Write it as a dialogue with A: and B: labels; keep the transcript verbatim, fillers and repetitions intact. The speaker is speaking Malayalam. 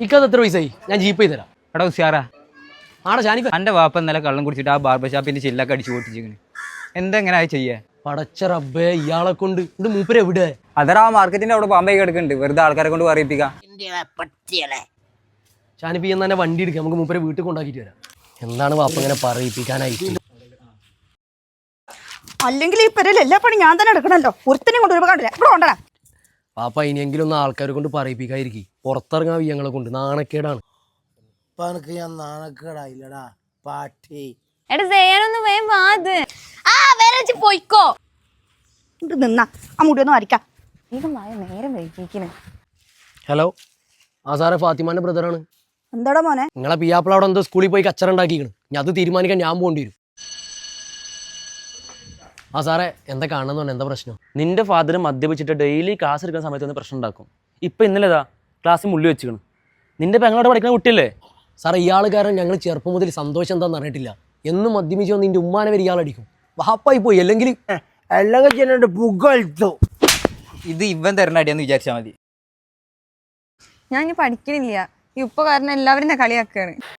A: ഇക്കത് എത്ര പൈസയായി? ഞാൻ ജീപ്പ് ചെയ്ത് തരാം.
B: എടാ ഉഷാറാ,
A: ആടെ ഷാനിക്ക
B: എൻ്റെ വാപ്പ ഇന്നലെ കള്ളം കുടിച്ചിട്ട് ആ ബാർബർ ഷാപ്പിന്റെ ചില്ലൊക്കെ അടിച്ചു പൊട്ടിച്ചിരിക്കണ്. എന്തെങ്ങനെ അത് ചെയ്യാ?
A: പടച്ച റബ്ബേ, ഇയാളെ കൊണ്ട് ഇത് മൂപ്പര് എവിടെ?
B: അതടാ ആ മാർക്കറ്റിന്റെ അവിടെ പാമ്പേ കിടക്കുന്നുണ്ട്, വെറുതെ ആൾക്കാരെ കൊണ്ട് പറയിപ്പിക്കാം.
A: ഷാനിപ്പി എന്ന് തന്നെ വണ്ടി എടുക്കാം, നമുക്ക് മൂപ്പരെ വീട്ടിൽ കൊണ്ടാക്കിയിട്ട് വരാം. എന്താണ് വാപ്പ ഇങ്ങനെ പറയിപ്പിക്കാനായിട്ട്?
C: അല്ലെങ്കിൽ ഈ പെരയിൽ എല്ലാ പണി ഞാൻ തന്നെ എടുക്കണല്ലോ. ഒരുത്തനെയും കൊണ്ട് കണ്ടില്ല ഇവിടെ കൊണ്ടടാ.
A: പാപ്പ ഇനിയെങ്കിലും ഒന്ന് ആൾക്കാരെ കൊണ്ട് പറയിപ്പിക്കാതിരിക്കും. പുറത്തിറങ്ങാൻ വയ്യങ്ങളെ കൊണ്ട് നാണക്കേടാണ്.
D: ഇപ്പൊ എനിക്ക് ഞാൻ നാണക്കേടായില്ലടാ പാട്ടി.
E: എടാ ചെയ്യാനൊന്ന് വേഗം വാ. അത് ആ വേറെ പോയിക്കോ.
C: ഇത് നിന്നാ ആ മുടി ഒന്ന് വരയ്ക്കാം.
E: വേഗം വായ, നേരം വൈകിക്കണേ.
A: ഹലോ, ആ സാറേ ഫാത്തിമാന്റെ ബ്രദറാണ്.
C: എന്താടാ മോനെ?
A: നിങ്ങളെ പിയാപ്പിള അവിടെ എന്തോ സ്കൂളിൽ പോയി കച്ചറ ഉണ്ടാക്കിക്കണം. ഞാൻ അത് തീരുമാനിക്കാൻ ഞാൻ പോകേണ്ടി വരും. ആ സാറേ, എന്താ കാണുന്നു? എന്താ പ്രശ്നം?
F: നിന്റെ ഫാദർ മദ്യപിച്ചിട്ട് ഡെയിലി ക്ലാസ് എടുക്കുന്ന സമയത്ത് ഒന്ന് പ്രശ്നം ഉണ്ടാക്കും. ഇപ്പം ഇന്നലെതാ ക്ലാസ്സിൽ മുള്ളി വെച്ചിക്കണം. നിന്റെ പെങ്ങളോട് പഠിക്കുന്ന കുട്ടിയല്ലേ
A: സാറേ? ഇയാൾ കാരണം ഞങ്ങൾ ചെറുപ്പം മുതൽ സന്തോഷം എന്താണെന്ന് അറിഞ്ഞിട്ടില്ല. എന്നും മദ്യപിച്ച് വന്ന് നിന്റെ ഉമ്മാനെ വരെ ഇയാളടിക്കും. വാപ്പായി പോയി. അല്ലെങ്കിൽ
D: എല്ലാം ചെന്നിട്ട് പുകഴ്ത്തു.
B: ഇത് ഇവൻ തരുന്ന അടിയാന്ന് വിചാരിച്ചാൽ മതി.
E: ഞാൻ ഇനി പഠിക്കണില്ല. ഈ ഉപ്പ കാരണം എല്ലാവരും എന്നെ കളിയാക്കാണ്.